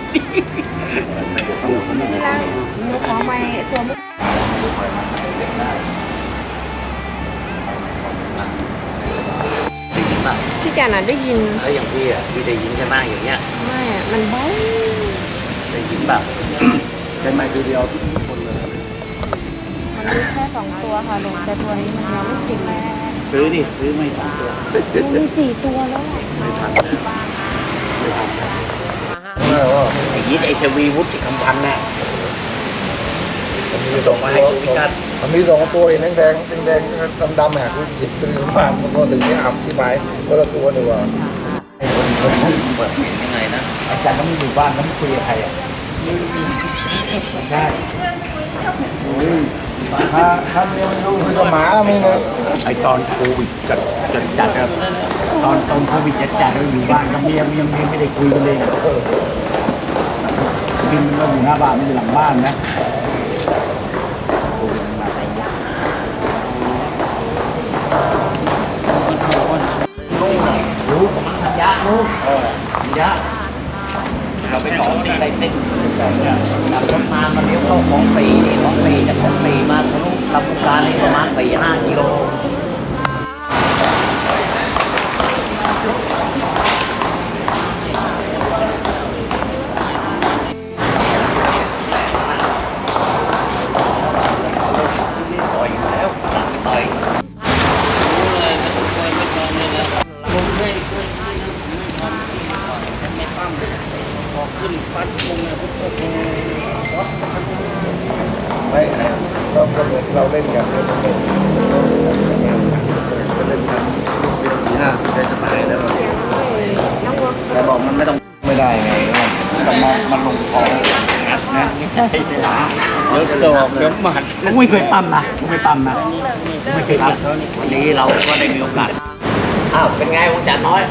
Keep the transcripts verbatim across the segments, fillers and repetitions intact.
ที่ร้านหนูขอไม้ตัวมุกพี่จันน่ะได้ยินแล้วอย่างพี่อ่ะพี่ได้ยินใช่ไหมอย่างเงี้ยไม่อะมันเบาได้ยินแบบใช้ไม้ตัวเดียวทุกคนเลยมันมีแค่สองตัวค่ะหลงแต่ตัวนี้มันยังไม่ติดเลยซื้อดิซื้อไม่ทันตัวมันมีสี่ตัวแล้วไม่ทันไม่ทันไอ้ยีดไอ้เทวีวุฒิคำพันธ์น่ะมันมีสองไม้พิกัดมันมีสองตัวเองแดงแดงแดงดำดำแหกหยิบตัวมามันก็ถึงนี้อับที่ไม้ก็ละตัวหนึ่งว่าไอ้คนคนนั้นเปิดเห็นยังไงนะอาจารย์ต้องอยู่บ้านต้องคุยกับใครอ่ะใช่ถ้าถ้าเลี้ยงลูกคือหมาไม่เงยไอตอนโควิดจัดจัดจัดครับตอนตอนโควิดจัดจัดเราอยู่บ้านกับเมียเมียเมียไม่ได้คุยกันเลยบินเราอยู่หน้าบ้านไม่อยู่หลังบ้านนะรู้ยะรู้เออยะเราไปของตีอะไรเต้นขับรถมามาเลี้ยวเข้าของปีนี่ของปีจากของปีมาทะลุลำพูนการนี่ประมาณสี่ห้ากิโลต่อยแล้วตัดไปต่อยขึ้นฟัดมุงเนี่ยพวกพวกไม่ก็เหมือนเราเล่นกันเล่นเล่นจะเล่นกันสี่ห้าจะจะตายแล้วแต่บอกมันไม่ต้องไม่ได้ไงมันมามันลงคองัดนะไม่ใช่หาเดี๋ยวโศกเดี๋ยวหมัดกูไม่เคยปั้มนะกูไม่ปั้มนะกูไม่เคยปั้มวันนี้เราก็ได้มีโอกาสอ้าวเป็นไงวังจันทร์น้อย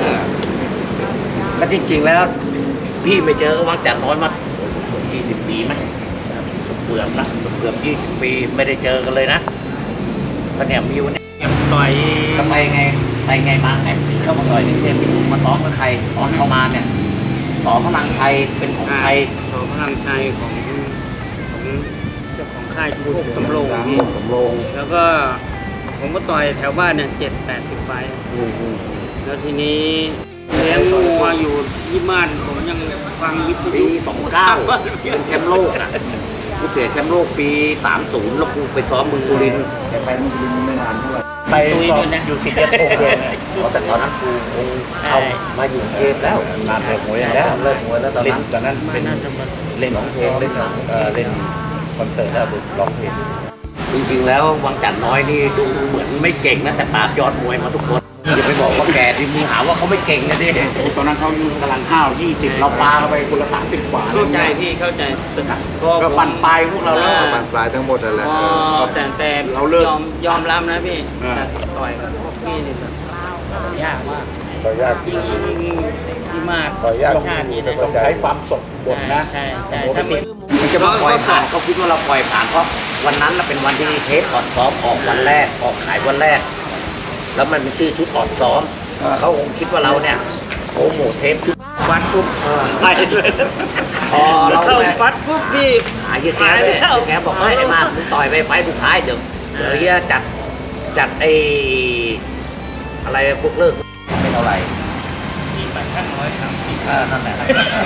ก็จริงๆแล้วพี่ไม่เจอวังจันทร์น้อยมายี่สิบปีไหมเกือบนะเกือบยี่สิบปีไม่ได้เจอกันเลยนะก็เนี่ยมีวันนี้ต่อยทำไมไงไปไงมาไงเข้ามาต่อยนี่เนี่ยมาซ้อมกับใครตอนเข้ามาเนี่ยต่อพลังไทยเป็นของใครต่อพลังไทยของของเจ้าของค่ายทุกสำโรงนี่สำโรงแล้วก็ผมก็ต่อยแถวบ้านเนี่ยเจ็ดแปดสิบไฟแล้วทีนี้เลี้ยงงัวอยู่ที่บ้านผมยังฟังวิทยุปีสองเก้าเป็นแชมป์โลกอ่ะกูเสียแชมป์โลกปีสามศูนย์แล้วกูไปซ้อมเมืองบุรีรัมย์แต่ไปมึงบินไม่นานเท่าไหร่ไปซ้อมอยู่สิบเอ็ดโมงเย็นแต่ตอนนั้นกูคงเข้ามาอยู่เกมแล้วนานเลิกมวยแล้วเลิกมวยแล้วตอนนั้นตอนนั้นเป็นเล่นร้องเพลงเล่นเล่นคอนเสิร์ตแล้วร้องเพลงจริงๆแล้ววังจันทร์น้อยนี่ดูเหมือนไม่เก่งนะแต่ปราบยอดมวยมาทุกคนอย่าไปบอกว่าแกที่มึงหาว่าเขาไม่เก่งนะดิตอนนั้นเขาอยู่กำลังข้าวยี่สิบเราปลาไปคนละสามสิบกว่าเข้าใจพี่เข้าใจก็ปั่นปลายพวกเราแล้วปั่นปลายทั้งหมดนั่นแหละแต่แต่เราเลิกยอมยอมรับนะพี่ต่อยกับพวกพี่นี่ยากมากต่อยยากที่ที่มากต่อยยากชาตินี้ต้องใช้ความสดบทนะใช่ใช่ถ้ามีมันจะมาปล่อยผ่านก็คิดว่าเราปล่อยผ่านเพราะวันนั้นเป็นวันที่เทปก่อนซ้อมออกวันแรกออกขายวันแรกแล้วมันเป็นชื่อชุดอ่อนซ้อมเขาคงคิดว่าเราเนี่ยโปรโมทเทปชุดฟัดปุ๊บไปเลยพอเราเข้าฟัดปุ๊บพี่หายแกเลยแกบอกเฮ้ยไอ้มามึงต่อยไปไฟสุดท้ายเดี๋ยวเดี๋ยวเฮียจัดจัดไอ้อะไรพวกเลิกไม่เท่าไหร่ที่ไปช่างร้อยสามสิบนั่นแหละ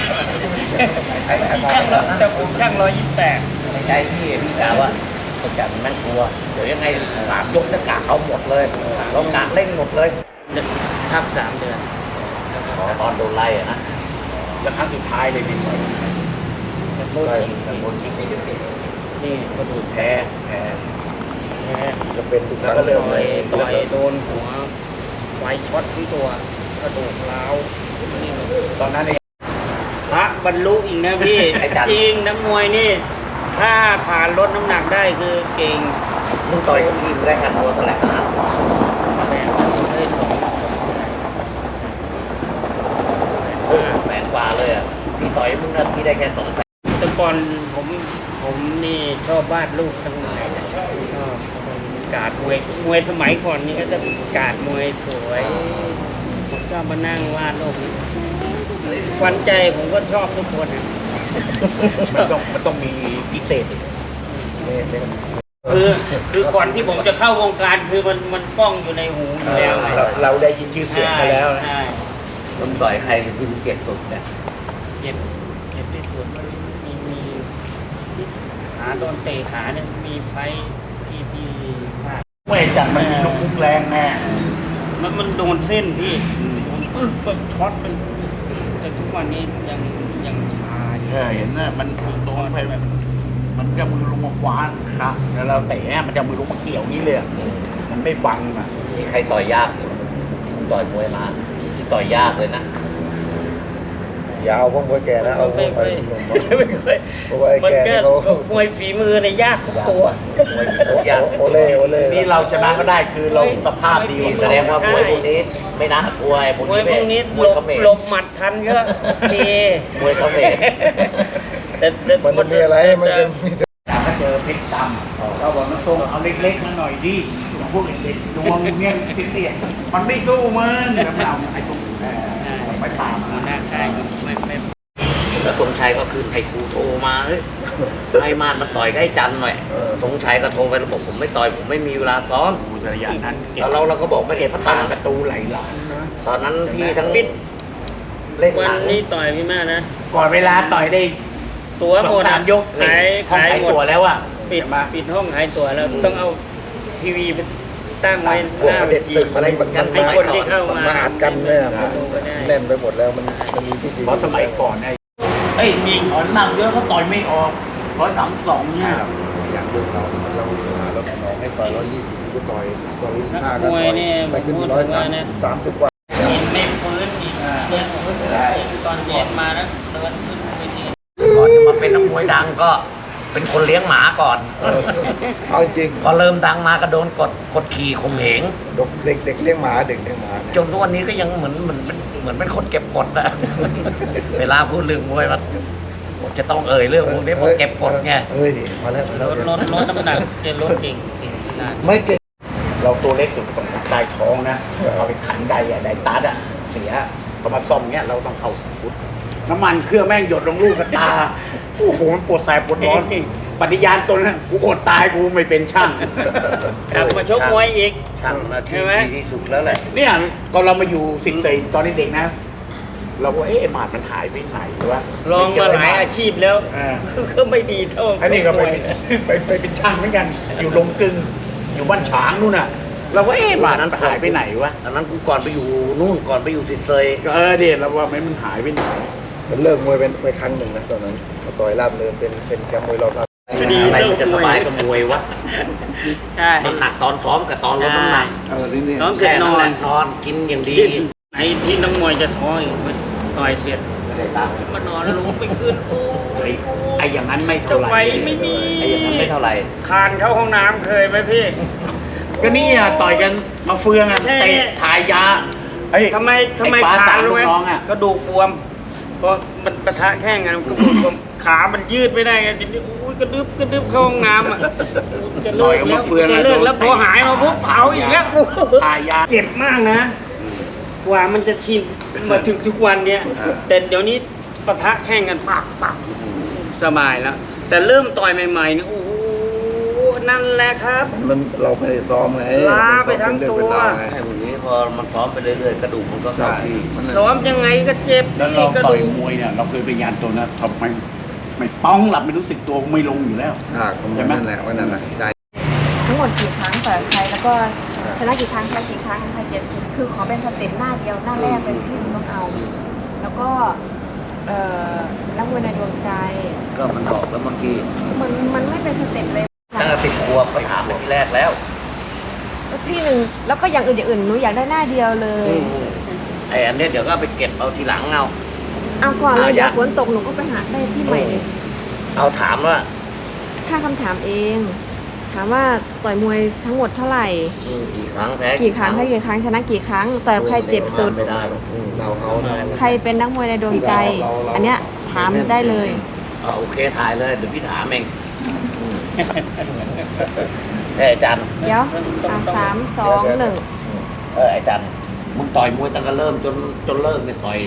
แต่ผมช่างร้อยยี่สิบแปดในใจพี่พี่กล่าวว่าเขาจัดมันกลัวเดี๋ยวยังไงสามยกจะกะเขาหมดเลยเรากะเล่นหมดเลยทับสามเดือนตอนโดนไล่อะนะแล้วครั้งสุดท้ายเลยนี่โดนยิงโดนยิงนี่ก็ดูแพ้แพ้แพ้จะเป็นทุกครั้งก็เลยต่อยโดนหัวไฟช็อตทั้งตัวกระดูกร้าวตอนนั้นเองพระบรรลุอีกนะพี่จริงนักมวยนี่ถ้าผ่านลดน้ำหนักได้คือเก่งมึงต่อยกับพี่ได้กันตัวเท่าไหร่นะแสนกว่าเลยอ่ะพี่ต่อยมึงนะพี่ได้แค่สองแสนแต่ก่อนผมผมนี่ชอบวาดรูปทั้งหลายชอบการมวยมวยสมัยก่อนนี่ก็จะการมวยสวยผมก็มานั่งวาดรูปขวัญใจผมก็ชอบทุกคนนะมันต้องมันต้องมีพิเศษอีกนี่นี่คือคือก่อนที่ผมจะเข้าวงการคือมันมันกล้องอยู่ในหูอยู่แล้วไงเราเราได้ยินชื่อเสียงมาแล้วนะใช่ผมต่อยใครคือเก็บสุดเนี่ยเก็บเก็บที่สุดมีมีขาโดนเตะขาเนี่ยมีไฟที่ที่พลาดไม่จัดมันลุกลุกแรงแน่มันมันโดนเส้นพี่โดนปึ๊กก็ช็อตเป็นแต่ทุกวันนี้ยังยังชาอยู่เออเห็นนะมันโดนไปแบบมันจะมือลงมาคว้านครับแล้วเราเตะมันจะมือลงมาเกี่ยวนี่เลยอะมันไม่ฟังอ่ะที่ใครต่อยยากผมต่อยมวยมาที่ต่อยยากเลยนะยาวพวกมวยแก่นะเอาพวไม่กไปค่อยหนุ่มไม่ค่อยเพราะว่าไอ้มันแก่ก็เนี่ยเขามวยฝีมือในยยากทุกตัวมวยทุกอย่างโอเล่โอเล่นี่เราชนะก็ได้คือเราสภาพดีกนี่ว่าแสดงว่ามวยพวกนี้ไม่น่ากลัวไอ้พวกมวยนี้พวกนี้มหลวยบเขมรหลบหมัดทันก็โอเคมวยเขมรแต่แต่มันจะมีอะไรมันจะมีแต่ก็เจอเพชรดำเราบอกน้องตรงเอาเล็กๆมาหน่อยดิพวกเด็กๆดวงเนี่ยเตี้ยๆมันไม่สู้มันแล้วมันเอาไอ้ตรงเอ่อไปตามหัวมันหน้าค่ายก็ไม่ไม่แล้วธงชัยก็คือให้ครูโทรมาเฮ้ยให้มานมาต่อยกับไอ้จันหน่อยธงชัยก็โทรไประบบผมไม่ต่อยผมไม่มีเวลาซ้อมดูระยะนั้นเก็บแล้วเราเราก็บอกไม่เก็บพัตาตาประตูไหลหลังนะตอนนั้นพี่ทั้งปิดเล่นหวันนังนี้ต่อยพี่มากนะก่อนเวลาต่อยได้ตัวหมดสองสามยกขายห้องขายขายหมดตัวแล้วอ่ะปิดปิดห้องขายตั๋วแล้วต้องเอาทีวีไปตั้งไว้พวหกน้าประเวเด็นทีศึกอะไรมันมันให้คนที่เข้ามามาอัดกันเนี่ยดูก็ได้แน่นไปหมดแล้วมันมันมีพิธีเพราะสมัยก่อนไอ้เอ้ยจริงอ่อนหนักเยอะเขาต่อยไม่ออกร้อยสามสองเนี่ยอย่างเรื่องเราเราเราสนองให้ต่อยร้อยยี่สิบก็ต่อยสวิงห้าก็มวต่ยอยเนี่ยไปขึ้นพูดร้อยว่าสามนะสามสิบกว่ามีไม่ฟื้นอีกเดินฟื้นไม่ได้ตอนเย็นมาแล้วเดินขึ้นไปทีก่อนจะมาเป็นนักมวยดังก็เป็นคนเลี้ยงหมาก่อนเอาจริงพอเริ่มดังมาก็โดนกดกดขี่ข่มเหงเด็กเด็กเด็กเลี้ยงหมาเด็กเลี้ยงหมาจนทุกวันนี้ก็ยังเหมือนเหมือนเป็นเหมือนเป็นคนเก็บกดอะ เวลาพูดเรื่องมวยมันผมจะต้องเอ่ยเรื่องพวกนี้เพราะเก็บกดไงเฮ้ยมาแล้วมาลแล้วดลดลดน้ำหนักจะลดเก่งเก่งนานไม่เก่งเราตัวเล็กสุดตรงใต้ท้องนะเอาไปขันใดอะใดตัดอะเสียเขามาซ่อมเงี้ยเราต้องเอาฟุตน้ำมันเครื่องแม่งหยดลงลูกกระตาโอ้โหมันปวดแสบปวดร้อนปฏิญาณตนนะกูอดตายกูไม่เป็นช่างกลับมาชกมวยอีกช่างหนาใช่ที่ไหมดีที่สุดแล้วแหละเนี่ยก็เรามาอยู่สิงห์เสยตอนเด็กๆนะ เราก็เอ๊ะบาดมันหายไปไหนวะลองมาหลายอาชีพแล้วอ่าก็ไม่ดีเท่าอันนี้ก็ไปมวยไปไปเป็นช่างเหมือนกัน อยู่ลงกึงอยู่บ้านฉางนู่นน่ะ เราก็เอ๊ะบาดนั้นหายไปไหนวะอันนั้นกูก่อนไปอยู่นู่นก่อนไปอยู่ติดเซยก็เออเดี๋ยวเราว่าไม่มันหายไปไหนมันเลิกมวยเป็นไปครั้งหนึ่งนะตอนนั้นมาต่อยราบเนินเป็นเป็นแชมป์มวยรอบราบคดีอะไรเลิมันกจะมสวยบายกับมวยวะใช่มันหนักตอนซ้อมกับตอนลดน้ำหนักเออนี่นี่น้องเสร็จแค่นนั้นอแหนละนอนกินอย่างดีที่ไอ้ที่นักมวยจะท้ออีกมันต่อยเสร็จไม่ได้ตังค์มานอนแล้วลงไปขึ้นโอ้ยไอ้อย่างนั้นไม่จะเท่าไหร่ไหวไม่มีไอ้อย่างนั้นไม่เท่าไหร่คานเข้าห้องน้ำเคยไหมพี่ก็นี่อ่ะต่อยกันมาเฟืองอ่ะแค่เตะถ่ายยาเอ้ยทำไมทำไมอ้ฟ้ขาสามรู้ลูไหมกน้องอ่ะกระดูกบวมเพราะมันปะทะแข้งกันมันกระดูกบวมขามันยืดไม่ได้ไงทีนี้อุ้ยกระดึบกระดึบเข้าห้องน้ำอ่ะจะต่เลิอยกกันแล้มาว เฟืองจะอ่ะเลิกแล้วพอหายมาปุ๊บเผาอีกแล้วกูถ่ายยาเจ็บมากนะ กว่ามันจะชินมาถึงทุกวันเนี้ยอ่าแต่เดี๋ยวนี้ปะทะแข่งกันปักปักสบายแล้ว แต่เริ่มต่อยใหม่ๆเนี่ยโอ้โหนั่นแหละครับมันเราไม่ได้ซ้อมไงล้าไปทั้งตัวมันซ้อมเป็นเรื่องเป็นราวไงไอ้พวกนี้พอมันซ้อมไปเรื่อยๆกระดูกมันก็เข้าใช่ที่มันซ้อมยังไงก็เจ็บแล้วเรากระต่อดูยกมวยเนี่ยเราเคยไปยานตัวนะทำไมไม่ป้องหลับไม่รู้สึกตัวไม่ลงอยู่แล้วฉากของมันนั่นแหละว่านั่นแหละใจทั้งหมดกี่ครั้งต่อยกับใครแล้วก็ชนะกี่ครั้งแพ้กี่ครั้งใครเจ็บคือขอเป็นสเต็ปหน้าเดียวหน้าแรกเป็นที่ต้องเอา แล้วก็เอ่อนักมวยในดวงใจก็มันบอกแล้วเมื่อกี้มันมันไม่เป็นสเต็ปเลยตั้งแต่สิบขวบก็ถามไปที่แรกแล้วที่หนึ่งแล้วก็อย่างอื่นอย่างอื่นหนูอยากได้หน้าเดียวเลยไอ้อันเนี้ยเดี๋ยวก็เอาไปเก็บเอาทีหลังเอาเอาก่อนเลยเอาอเดี๋ยยาว กฝนตกหนูก็ไปหาได้ที่ใหม่เลยเอาถามว่าถ้าคำถามเอง ถามว่าต่อยมวยทั้งหมดเท่าไหร่อืมกี่ครั้งแพ้กี่ครั้งแพ้กี่ครั้งชนะกี่ครั้งต่อยกับใครเจ็บสุดไม่ได้หรอกอืมเราเขานะใครเป็นนักมวยในดวงใจเราเราอันเนี้ยถามได้เลยเอาโอเคถ่ายเลยเดี๋ยวพี่ถามเองอืมเอออาจารย์เดี๋ยวอ่ะสามสองหนึ่งเอออาจารย์มึงต่อยมวยตั้งแต่เริ่มจนจนเลิกเนี่ยต่อย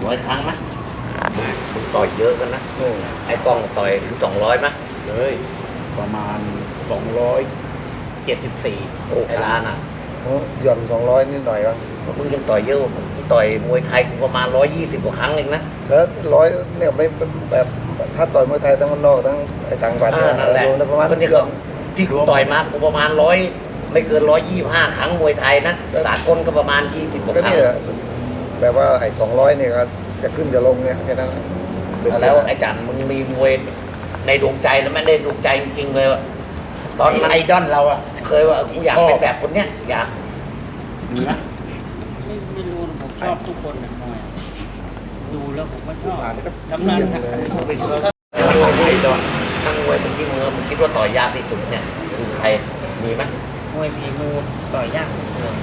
ร้อยครั้งไหมมึงต่อยเยอะกันนะเออไอ้กล้องต่อยถึงสองร้อยไหมเลยประมาณสองร้อยเจ็ดสิบสี่โอ้ไอ้ร้านอ่ะโอ้หย่อนสองร้อยนิดหน่อยวะมึงยังต่อยเยอะกว่าผมต่อยมวยไทยกูประมาณร้อยยี่สิบกว่าครั้งเองนะแล้วร้อยเนี่ยไม่แบบถ้าต่อยมวยไทยทั้งมันนอกทั้งไอ้ต่างจังหวัดอ่าเนี่ยนั่นแหละรวมแล้วประมาณก็นี่เกืก็อบที่กูต่อยมากูประมาณร้อยไม่เกินร้อยยี่สิบห้าครั้งมวยไทยนะสากลก็ประมาณยี่สิบกว่าก็ครั้งเนี่ยแบบว่าไอ้สองร้อยเนี่ยก็จะขึ้นจะลงเนี่ยแค่นั้นแล้วไอ้จันมึงมีมวยในดวงใจแล้วไม่ได้ดวงใจจริงๆเลยว่ะตอนมันไอดอลเราอะเคยว่ากูอยากเป็นแบบคนเนี้ยอยากมีไหมไม่ไม่รู้นะผมชอบทุกคนนะมวยดูแล้วผมก็ชอบทำงานทำเป็นไอดอลทั้งมวยมึงที่มือมึงคิดว่าต่อยยากที่สุดเนี่ยคือใครมีไหมมวยฝีมือต่อยยาก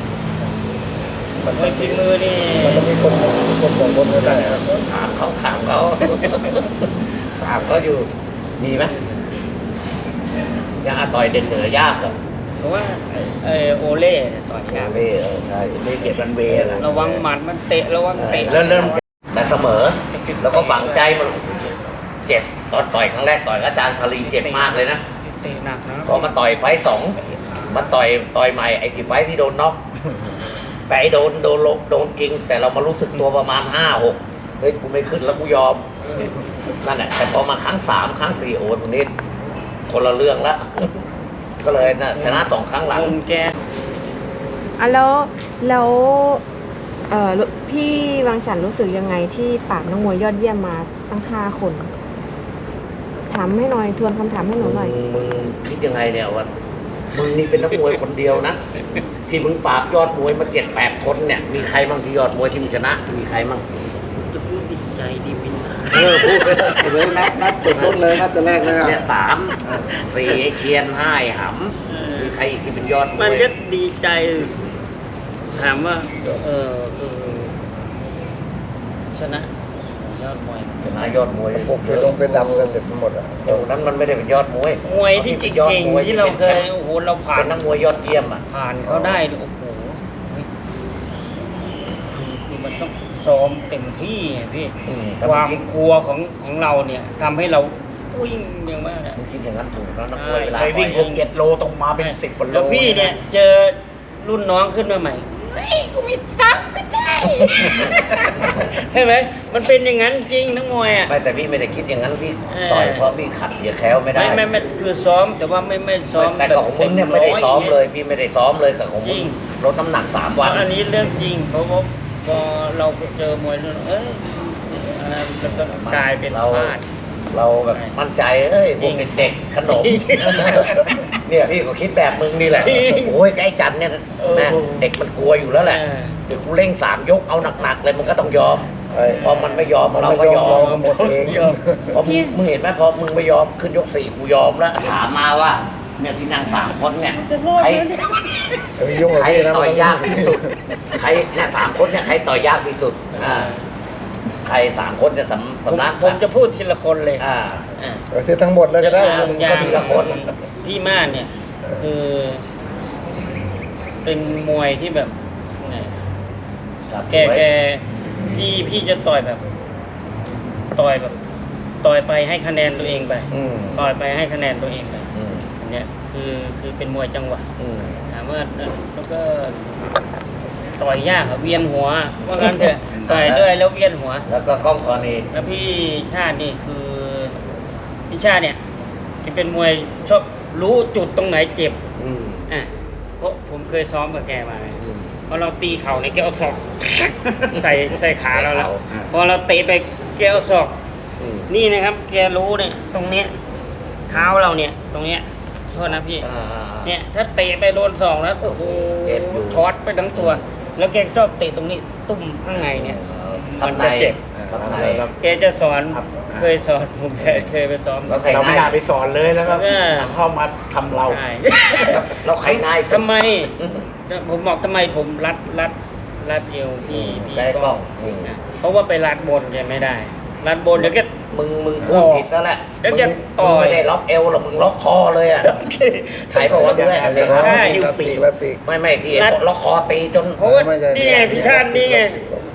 มวยฝีมือนี่มันต้องมีคนคนสองคนก็ได้ครับถามเขาถามเขาถามเขาอยู่มีไหมยังอาต่อยเด่นเหนือยากเหรอเพราะว่าเออโอเล่เนี่ยต่อยยากเล่เออใช่เลเกียรติรันเวย์นะระวังหมัดมันเตะระวังเตะเริ่มเริ่มแต่เสมอ แล้วก็ฝังใจมันเจ็บตอนต่อยครั้งแรกต่อยกับอาจารย์ชาลีเจ็บมากเลยนะเตะหนักนะพอมาต่อยไฟต์สองมาต่อยต่อยใหม่ไอ้ที่ไฟต์ที่โดนน็อกแต่ไอ้โดนโดนลงโดนจริง แต่เรามารู้สึกตัวประมาณห้าหกเฮ้ยกูไม่ขึ้นแล้วกูยอมนั่นแหละแต่พอมาครั้งสามครั้งสี่โอ้ตรงนี้คนละเรื่องละก็เลยนะชนะสองครั้งหลังคนแกอ่ะแล้วแล้วเอ่อพี่วังจันทร์รู้สึกยังไงที่ปราบนักมวยยอดเยี่ยมมาตั้งห้าคน ถามให้หน่อยทวนคำถามให้หนูหน่อยมึงมึงคิดยังไงเนี่ยว่ามึงนี่เป็นนักมวยคนเดียวนะที่มึงปราบยอดมวยมาเจ็ดแปดคนเนี่ยมีใครบ้างที่ยอดมวยที่มึงชนะมีใครบ้างจะพูดดีใจดีวินนะเออพูดไปเลยนัดนัดจุดต้นเลยนัดแต่แรกเลยอ่ะเนี่ยสามสี่ไอ้เชียนห้าไอ้หำมีใครอีกที่เป็นยอดมวยมันก็ดีใจ ถามว่า เออเออชนะยอดมวยชนะยอดมวยพวกเป็นลงเป็นดำกันเสร็จหมดอ่ะตรงนั้นมันไม่ได้เป็นยอดมวยมวยที่เก่งๆที่เราเคยโอ้โหเราผ่าเป็น นนักมวยยอดเยี่ยมอ่ะผ่านเขาได้เนี่ยโอ้โหเฮ้ยคือคือมันต้องซ้อมเต็มที่ไงพี่อืมความคิดกลัวของของเราเนี่ยทำให้เราวิ่งอย่างมากอะมึงคิดอย่างนั้นถูกแล้วนักมวยเวลาไปวิ่งต่หอยกเจ็ดโลตรงมาเป็นสิบกว่าโลแล้วพี่เนี่ยเจอรุ่นน้องขึ้นมาใหม่เฮ้ยกูมีซับก็ได้ ใช่ไหมมันเป็นอย่างนั้นจริงนักมวยอ่ะไม่แต่พี่ไม่ได้คิดอย่างนั้นพี่เออต่อยเพราะพี่ขัดเหยียดแคล้วไม่ได้ไม่ไม่ไม่คือซ้อมแต่ว่าไม่ไม่ซ้อมแต่กับของมึงเนี่ยไม่ได้ซ้อมเลย พี่ไม่ได้ซ้อมเลยกับของจมึริงงลดน้ำหนักสามวัวัน นอันนี้เรื่องจริงเพราะว่าพอเราเจอมวยแล้วเอ้ยอะไรมันก็กลายเป็นเราพลาดเราแบบมั่นใจเอ้ยพวกเด็กๆขนม เนี่ยพี่ก็คิดแบบมึงนี่แหละจริงโอ้ยไอ้จันเนี่ยเออแม่เด็กมันกลัวอยู่แล้วแหละเออเดี๋ยวกูเร่งสามยกเอาหนักๆเลยมันก็ต้องยอมไอ้พอมันไม่ยอมมันเราไม่ก็ยยออมเรามก็หมดเองพอมึงมึงเห็นไหมพอมึงไม่ยอมขึ้นยกสี่กูยอมแล้วถามมาว่าเนี่ยที่นั่งสามคนเนี่ยจะรอดใครไหมเนี่ยจะไปยุ่งกับใครพี่นะต่อยยากที่สุด ใครเนี่ยสามคนเนี่ยใครต่อยยากที่สุดอ่าใครสามคนเนี่ยสำผมสำนักผมจะพูดทีละคนเลยอ่าอ่าเออที่ทั้งหมดเลยก็ได้อย่างมึงอย่าก็งทีละคนพี่ม่านเนี่ย คือ เป็นมวยที่แบบไงจับแกไว้แกพี่พี่จะต่อยแบบ ต่อยแบบ ต่อยไปให้คะแนนตัวเองไปอืมต่อยไปให้คะแนนตัวเองไปอืมอันเนี้ยคือคือเป็นมวยจังหวะอืมถามว่าแล้วก็ต่อยยากอะเวียนหัวว่างั้นเถอะต่อยด้วยแล้วเวียนหัวแล้วก็กล้องกรณีแล้วพี่ชาตินี่คือพี่ชาติเนี่ยที่เป็นมวยชอบรู้จุดตรงไหนเจ็บอืมอ่ะเพราะผมเคยซ้อมกับแกมาไงอืมพอเราตีเข่าในยแกเอาศอก ใส่ใส่ขาเราแล้วใส่เข่าพอเราเตะไปแกเอาศอกอืมนี่นะครับ แกรู้เนี่ยตรงเนี้ยเท้าเราเนี่ย ตรงเนี้ยโทษนะพี่อ่าเนี่ยถ้าเตะไปโดนศอกแล้วโอ้โหเจ็บอยู่ช็อตไปทั้งตัว แล้วแกชอบเตะตรงนี้ตุ้มข้างในเนี่ยทัมับนในจะเจ็บทับในแกจะสอนครับเคยสอนผมเคยเคยไปซ้อมแล้วใครเราไม่น่าไปสอนเลยแล้วก็เออเข้ามาทำเราใช่แล้วใครนายทำไมอืมผมบอกทำไมผมรัดรัดรัดเอวพี่พี่ได้กล้องอืมนะเพราะว่าไปรัดบนแกไม่ได้ รัดบนเดี๋ยวแกมึงมึงพูดผิดแล้วแหละแล้วมึงจะต่อยมึงไม่ได้ล็อกเอวหรอกมึงล็อกคอเลยอ่ะใครบอกว่าด้วยเดี๋ยวใช่เขาปีกแบบปีกไม่ไม่ที่รัดล็อกคอตีจนเพราะว่าไม่ใช่นี่ไงพี่ชาตินี่ไง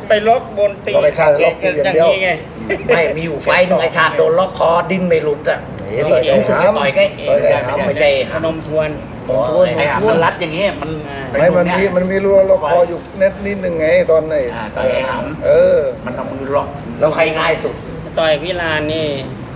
ไปล็อกบนตีล็อกไอ้ชาติล็อกตีอย่างเดียวนี้ไงไม่มีอยู่ไฟหนึงไอ้ชาติโดนล็อกคอดิ้นไม่หลุดอ่ะเฮ้ยต่อยไก่รู้สึกหามจะต่อยใกล้ต่อยไก่หามไม่ใช่พนมทวนอ๋อไอ้หามันรัดอย่างเงี้ยมันไม่มันมีมันมีรูล็อกคออยู่เน็ตนิดนึงไงตอนไหนอ่าต่อยไอ้หามเออมันเอามือล็อกแล้วใครง่ายสุดต่อยพี่ลานนี่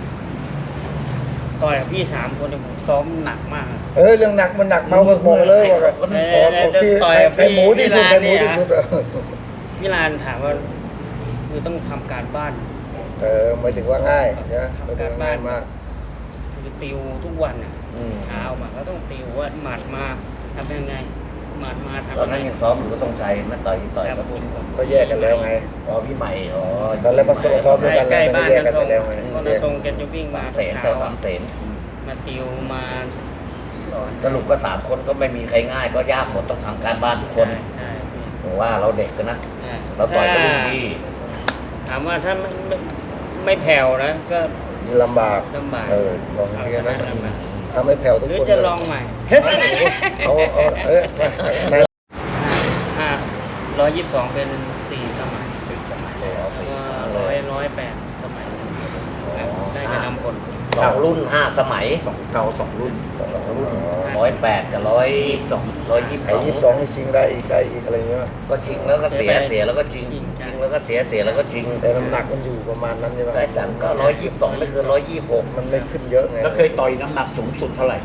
ต่อยกับพี่สามคนเนี่ยผมซ้อมหนักมากเออเรื่องหนักมันหนักเมาบอกเลยว่าเออขอเออพี่ต่อยกับใครหมูที่สุดพี่ใครหมูที่ร้านเนี่ยสุดอะพี่ลานถามว่าคือต้องทำการบ้านเออหมายถึงว่าง่ายนะหมายถึงทำการว่าบ้าง่าน ยมากคือติวทุกวันน่ะอืมเช้ามาก็ต้องติวว่าหมัดมาทำยังไงหมัดมาทำตอนนั้นยังซ้อมอยู่ก็ต้องใช้มาต่อยต่อยคกัรับบ พวกก็แยกกันแล้วไงอ๋อพี่ใหม่อ๋อตอนแรกมาซ้อมด้วยกันใกแล้วล้ไม่บ้านได้แยกกันตไปรงแล้วไงก็ตรงแกจะวิ่งมาสามเสนเช้าเจ้าสามเสนมาติวมาสรุปก็สามคนก็ไม่มีใครง่ายก็ยากหมดต้องทำการบ้านทุกคนใช่พี่ผมว่าเราเด็กกันนะใช่เราต่อยกับรุ่นพี่ถามว่าถ้าไม่ไม่ไม่แผ่วนะก็ลำบากลำบากเออลองอย่างนี้นะลำบากทำให้แผ่วทุกหรือคนจะลองใหม่เอาเอาเออในห้าร้อยยี่สิบสองเป็นสี่สมัยสี่สมัยเอาแล้วสิก็ร้อยร้อยแปดสมัยได้ไปนำผลสองรุ่นห้าสมัยสองเก่าสองรุ่นสองรุ่นร้อยแปดกับร้อยสองร้อยยี่สิบไอ้ยี่สิบสองนี่ชิงได้อีกได้อีกอะไรเงี้ยก็ชิงแล้วก็เสียเสียแล้วก็ชิงชิงแล้วก็เสียเสียแล้วก็ชิงแต่น้ำหนักมันอยู่ประมาณนั้นใช่ไหมแต่จันก็ร้อยยี่สิบสองไม่เกินร้อยยี่สิบหกมันไม่ขึ้นเยอะไงแล้วเคยต่อยน้ำหนักสูงสุดเท่าไหร่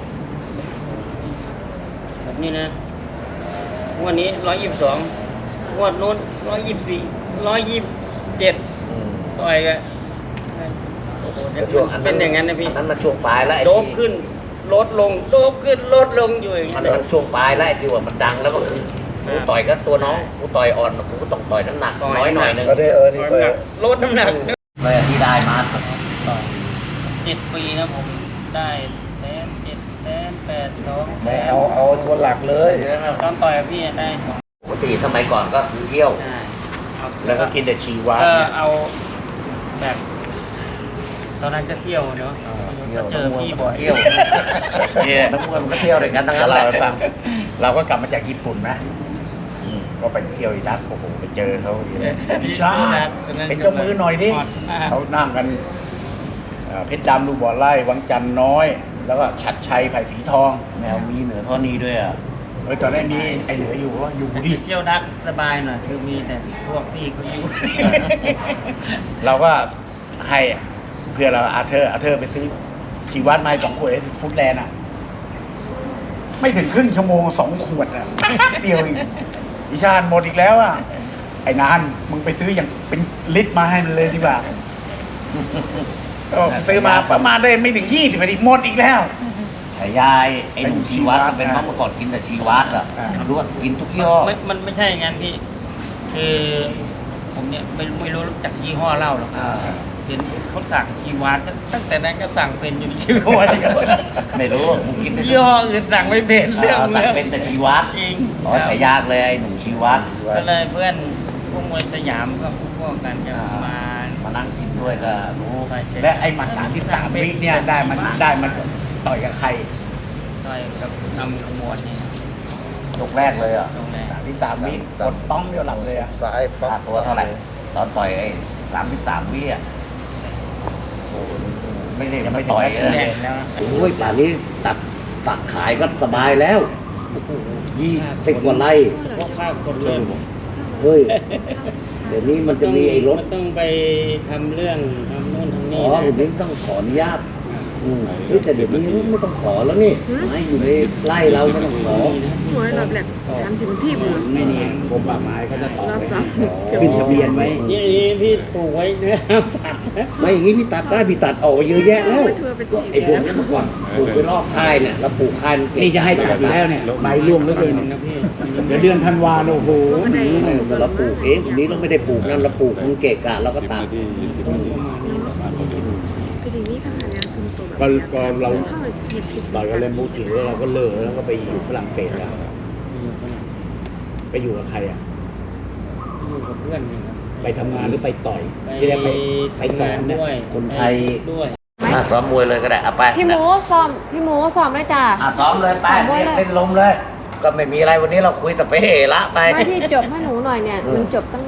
แบบนี้นะงวดนี้ร้อยยี่สิบสองงวดนู้นร้อยยี่สิบสี่ร้อยยี่สิบเจ็ดต่อยกันโอ้โหเนี่ยช่วงอันเป็นอย่างนั้นนะพี่อันนั้นมันช่วงปลายแล้วไอ้โดบที่ขึ้นลดลงโดบขึ้นลดลงอยู่อย่างมันี้นนมันช่วงปลายแล้วไอ้ที่ว่ามันดังแล้วก็คือกูต่อยก็ตัวน้องกูต่อยอ่อนกูก็ต้องต่อยน้ำหนักน้อยหน่อยนึงก็ได้เออนี่ก็ลดน้ำหนักเลยที่ได้มาเจ็ดปีนะผมได้แสนเจ็ดแสนแปดสองแสไม่นเอาเอาตัวหลักเลยตอนต่อยกับพี่ได้สองปกติสมัยก่อนก็คือเที่ยวได้เอาแล้วก็กินแต่ชีวะก็เนี่ยเอาแบบ ตอนนั้นก็เที่ยวเนาะก็เจอพี่บ่อยเที่ยวเนี่ยนักมวยมันก็เที่ยวด้วยกันทั้งแล้นั้วนแหเราละให้ฟัง เราก็กลับมาจากญี่ปุ่นนะอืมก็ไปเที่ยวอิรักโอ้โหไปเจอเขาอยู่เลยพี่ชาติเป็นเจ้ามือหน่อยดิเขานั่งกันเอ่อเพชรดำลูกบ่อไร่วังจันทร์น้อย แล้วก็ชัดชัยไผ่สีทองแมวมีเหนือท่อนี้ด้วยอ่ะเออตอนนั้นมีไอ้เหลืออยู่ว่าอยู่ดิเที่ยวดักสบายหน่อยคือมีแต่พวกพี่เขาอยู่เราก็ให้เพื่อเราอาเธอร์อาเธอร์ไปซื้อชีวัตมาให้สองขวดไอ้ฟุตแลนด์อ่ะ ไม่ถึงครึ่งชั่วโมงสองขวดอ่ะ เดียวเองอิชานหมดอีกแล้วอ่ะ ไอ้นานมึงไปซื้ออย่างเป็นลิตรมาให้มันเลยดีกว่าก็ซื้อมาประมาณได้ไม่ถึงยี่สิบนาทีหมดอีกแล้วฉายาไอ้หนุ่มชีวัตเป็นเพราะเมื่อก่อนกินแต่ชีวัตอ่ะอ่ารู้ว่ากินทุกยี่ห้อไม่มันไม่ใช่อย่างนั้นพี่ คือผมเนี่ยไม่ไม่รู้จักยี่ห้อเหล้าหรอกอ่าเห็นเขาสั่งชีวานตั้งแต่นั้นก็สั่งเป็นอยู่ชื่อว่าอะไรกันไม่รู้มึงกินแต่ยี่ห้ออื่นสั่งไม่เป็นเรื่องสั่เรื่งองเป็นแต่ชีวัตจริงอ๋อฉายาเลยไอ้หนุ่มชีวัตก็เลยเพื่อนพวกมวยสยามก็พวกกันจะมามานั่งกินด้วยก็รู้ไปเช็คและไอ้หมัดสามที่สามวิเนี่ยได้มันได้มันต่อยกับใครต่อยกับนำขมวดนี่ยกแรกเลยอ่ะตรงแรกสามที่สามวิกดต้องเดียวหลับเลยอ่ะสายปั๊ค่าบตัวเท่าไหร่ ตอนต่อยไอ้สามสิบสามวิอ่ะโอ้โหไม่ได้ไม่ต่อยแรเลยกแล้วโอ้ยป่านนี้ตัดตักขายก็สบายแล้วยี่สิบกว่าไร่พวกข้าวคนเลื่อนเฮ้ย เดี๋ยวนี้มันจะมีไอ้รถมันต้องไปทำเรื่องทำโน่นทำอ๋นี่อนะผมนี้ต้องขออนุญาตอืมเฮ้ยแต่เดี๋ยวนี้ไม่ต้องขอแล้วนี่ไม่อยู่ในไร่เราไม่ต้องขอหัวรอบแหลกสามสิบนาทีบุญไม่นี่กรมป่าไม้เขาจะต่อรอบไปสามขึ้นทะเบียนไว้นี่นี่พี่ปลูกไว้เนื้อห้ามสัตว์นะไม่อย่างนี้พี่ตัดได้พี่ตัดออกไปเยอะแยะแล้วไปทัวร์ไปตีไอ้พวกนี้เมื่อก่อนปลูกไปรอบค่ายเนี่ยเราปลูกค่ายมัเก็บนี่จะให้ตัดอยู่แล้วเนี่ยใบร่วงเหลือเกินนะพี่เดี๋ยวเดือนธันวาโอ้โหไม่แต่เราปลูกเองทีนี้เราไม่ได้ปลูกนั่นเราปลูกมันเกะกะเราก็ตัดอืมก็ทีนี้ข้างงานซุ่มตัวแบบก็ก็เราเข้าไปเหยียบผิดเราก็เล่นมูถือเราก็เลิกแล้วก็ไปอยู่ฝรั่งเศสแล้ว ไปอยู่กับใครอ่ะอยู่กับเพื่อนนี่ครับไปทำงานหรือไปต่อยไปที่ได้ไปไปสอนทำงาเนี่ยด้วยคนไทยด้วยอ่ะซ้อมมวยเลยก็ได้เอาไปพี่หมูซ้อมพี่หมูซ้อมเลยจ้ะอ่ะซ้อมเลยไปซ้อมมวยเรียกเลยเล่นลมเลย ก็ไม่มีอะไรวันนี้เราคุยสเปเฮละไปมาที่จบให้หนูหน่อยเนี่ยอืหมนูจบตั้ง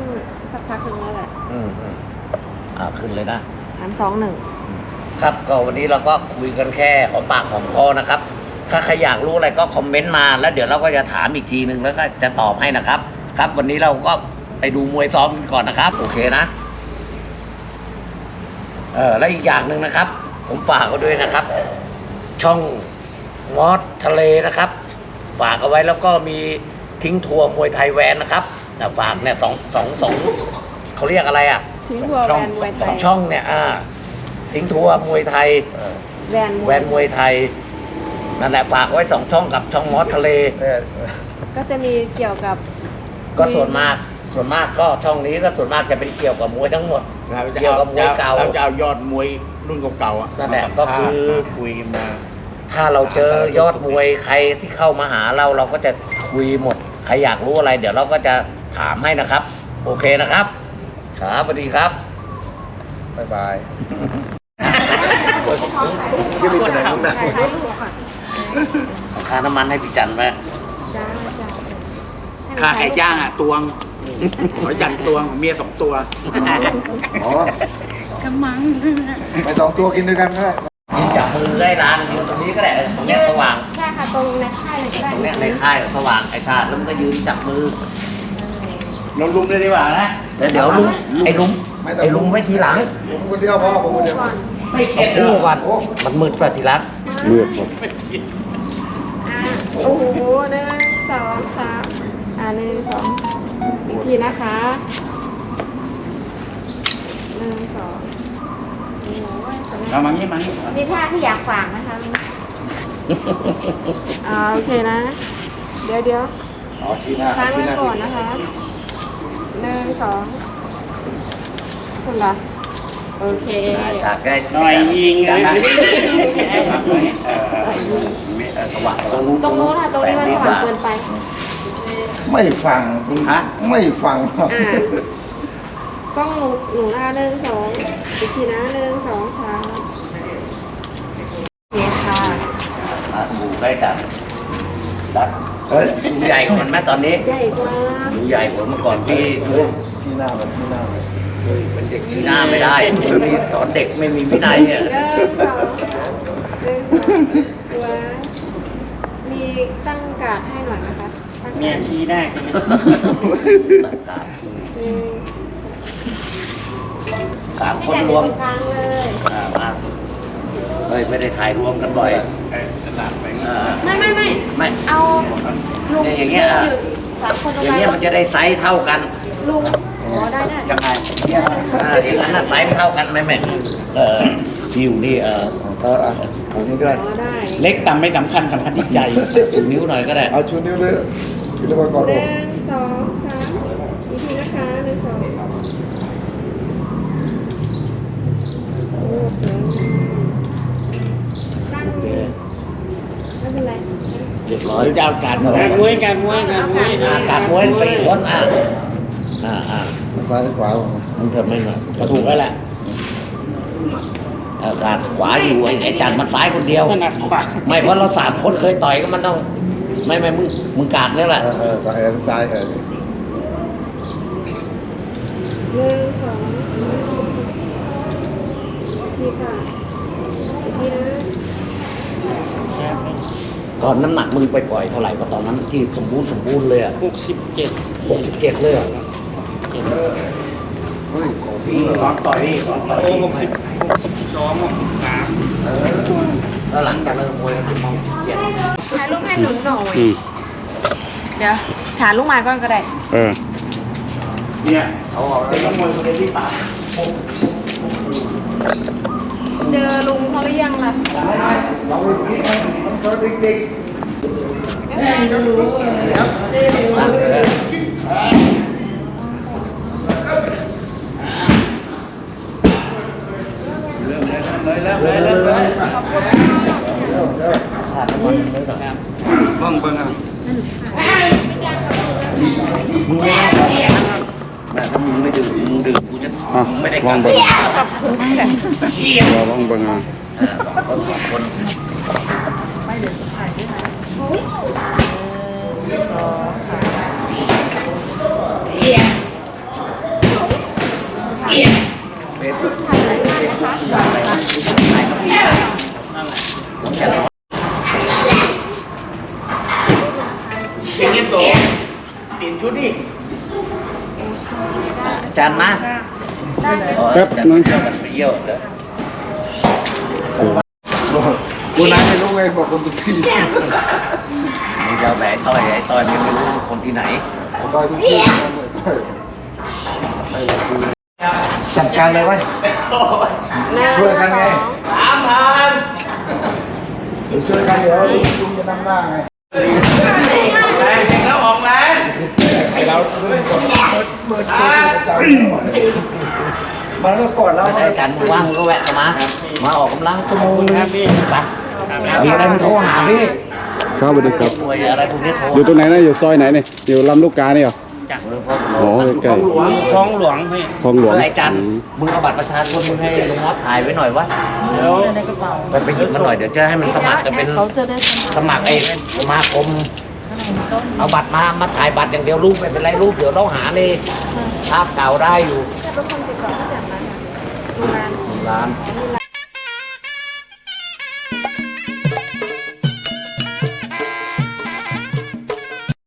สักพักหนึ่งแล้วแหละอืมอืมอ่าขึ้นเลยนะสามสองหนึ่งครับก็วันนี้เราก็คุยกันแค่หอมปากหอมคอนะครับ ถ้าใครอยากรู้อะไรก็คอมเมนต์มาแล้วเดี๋ยวเราก็จะถามอีกทีนึงแล้วก็จะตอบให้นะครับ ครับวันนี้เราก็ไปดูมวยซ้อมกันก่อนนะครับ โอเคนะเออแล้วอีกอย่างหนึ่งนะครับ ผมฝากเขาด้วยนะครับ ช่องมอสทะเลนะครับ ฝากเอาไว้แล้วก็มีทิ้งทัวร์มวยไทยแวนนะครับแต่ฝากเนี่ยสองสองสองเขาเรียกอะไรอ่ะทิ้งทัวร์แวนมวยไทสองยช่องเนี่ยอ่าทิ้งทัวร์มวยไทยแวนมแววยนมวยไทยนั่นแหละฝากไว้สองช่องกับช่องมอสทะเลเนี่ยก็จะมีเกี่ยวกับก็ส่วนมากส่วนมากก็ช่องนี้ก็ส่วนมากจะเป็นเกี่ยวกับมวยทั้งหมด เกี่ยวกับมวยเก่าเราจะเอายอดมวยรุ่นเก่าๆอ่ะนั่นแหละก็คือคุยมาถ้าเราเจอยอดมวยใครที่เข้ามาหาเราเราก็จะคุยหมดใครอยากรู้อะไร เดี๋ยวเราก็จะถามให้นะครับ โอเคนะครับครับสวัสดีครับบ๊ายบายยังมีคนไหนบ้างนะถ่ายถ่ายรูปก่อนค่าน้ำมันให้พี่จันไหมจ้าจ้าค่าไก่ย่างอ่ะตวงขอยันตวงเมียสองตัวอ๋อกำมังไปสองตัวกินด้วยกันก็ได้ยืนจับมือได้ร้านยืนตรงนี้ก็ได้เออตรงเนี้ยสว่างใช่ค่ะตรงในค่ายเลยก็ได้ตรงเนี้ยในค่ายสว่างไอชาติแล้วมันก็ยืนจับมือเราลุมเลยดีกว่านะแล้วเดี๋ยวลุงไอ้ลุงไม่ต้องไอ้ลุงไว้ทีหลังผมคนเดียวพอผมคนเดียวก่อนไม่เข็ดคู่ก่อนมันมืดประทีรักเลือดหมดอ่าโอ้โหหนึ่งสองสามอ่าหนึ่งสองอีกทีนะคะหนึ่งสองโอ้โหสวยเรามางี้มางี้มีท่าที่อยากฝากนะคะอ่าโอเคนะ เดี๋ยวเดี๋ยวอ๋อชี้หน้าค้างชี้ไว้หน้าก่อนนะคะหนึ่งสองคุณละโอเคฉากได้หน่อยยิงเลยนะสว่างตรงนู้นตรงโน้นค่ะตรงนี้มันสว่างเกินไปไม่ฟังคุณฮะไม่ฟังอ่ากล้องหนูหนูหน้าหนึ่งสองอีกทีนะหนึ่งสองสามโอเคค่ะอ่ะหมูใกล้จับรัดเฮ้ยดูใหญ่กว่ามันไหมตอนนี้ใหญ่กว่าดูใหญ่กว่าเมื่อก่อนพี่เฮ้ยชี้หน้ามันชี้หน้ามันเป็นเด็กชี้หน้าไม่ได้มีตอนเด็กไม่มีวินัยเนี่ยหนึ่งสองหนึ่งสองตัวมีตั้งการ์ดให้หน่อยนะคะตั้งเนี่กาย ร์ดชี้ได้ใช่ไหมตัดการหนึ่งการให้คนจัดรวมเป็นกลางเลยอ่ามาเฮ้ยไม่ได้ถ่ายรวมกันบ่อยอ่าไม่ไม่ไม่ไม่เอาลุงเนี่ยอย่างเงี้ยอ่ะสามคนตรงอย่างนั้เงี้ยนมันจะได้ไซส์เท่ากันลุงอ๋อได้ได้ยังไงอ่าอย่างนั้นน่ะไซส์มันเท่ากันไหมแม่เออชิวนี่เออเอออ่ะผมนี่ก็ได้อ๋อได้เล็กต่ำไม่สำคัญสำคัญที่ใหญ่ชูนิ้วหน่อยก็ได้เอาชูนิ้วเลยชูนิ้วก่อนหดูนึ่งสองสามอีกทีนะคะหนึ่งสองโอ้โหตั้งไม่เป็นไรเรียบร้อยหรือจะเอาการการมวยการมวยการมวยอ่าการมวยสี่คนอ่ะอ่าอ่าซ้ายขวามึงเถิดไม่มาก็ถูกแล้วแหละเออการขวาอยู่ไอ้ไอ้จันมันซ้ายคนเดียวถนัดขวาไม่เพราะเราสามคนเคยต่อยก็มันต้อง ไม่ไม่มึงมึงกาดแล้วแหละเออเออซ้ายซ้ายเออหนึ่งสองอีกทีค่ะอีกทีนะตอนน้ำหนักมึงไปปล่อยเท่าไหร่ก็ตอนนั้นที่สมบูรณ์สมบูรณ์เลยอ่ะหกสิบเจ็ดหกสิบเจ็ดเลยอ่ะเฮ้ยพี่สอนต่อยพี่สอนต่อยโอ้หกสิบหกสิบสองหกสิบสามแล้วหลังจากเลิกมวยก็คือมองเจ็ดถ่ายรูปให้หนูหน่อย เดี๋ยวถ่ายลูกไม้ก่อนก็ได้เออเนี่ยเขาบอกเป็นนักมวยคนเดียวที่ปากเจอลุงเขาหรือยังล่ะเราอีกนิดนึงมันเกิดเด็กเลยแล้วเลยแล้วเลยขาดน้ำมันเลยก่อนๆบ้างเบิ่งอ่ะมึงไม่ได้ขอแม่แม่ถ้ามึงไม่ดื่มมึงดื่มกูจะมึงไม่ได้กลับขอบคุณค่ะรอบ้างเบิ่งอ่ะเออสองคนสองคนชุดดิอาจารย์มาได้ไหมแป๊บนึงมันไปเยี่ยวเด้อกูนั้นไม่รู้ไงบอกคนทุกที่มึงจะเอาแหวนต่อยไอ้ต่อยมันไม่รู้คนที่ไหนต่อยทุกที่จัดการเลยไว้ช่วยกันไงสามพันช่วยกันเดี๋ยวลุงจะนั่งหน้าไงแรงจริงแล้วออกแรงไอเราเมื่อเมื่อเจอเจ้ามันก็ก่อนแล้วอาจารย์มึงว่างมึงก็แวะเข้ามา มาออกกำลังชั่วโมงนึงครับพี่ไปมีอะไรมึงโทรหาพี่ครับสวัสดีครับหน่วยอะไรพวกนี้โทรอยู่ตรงไหนนะอยู่ซอยไหนเนี่ยอยู่ลำลูกกาเนี่ยเหรอจ้ะอ๋อใกล้คลองหลวงพี่ๆคลองหลวงเออไอ้จันอืมมึงเอาบัตรประชาชนมึงให้ลุงมอสถ่ายไว้หน่อยวะเดี๋ยวไปไปหยิบมาหน่อยเดี๋ยวจะให้มันสมัครจะเป็นสมัครไอ้สมาคม เอาบัตรมามาถ่ายบัตรอย่างเดียวรูปไม่เป็นไรรูปเดี๋ยวเราหาในภาพเก่าได้อยู่จะเป็นคนติดต่อผู้จัดร้านดูร้านร้านมี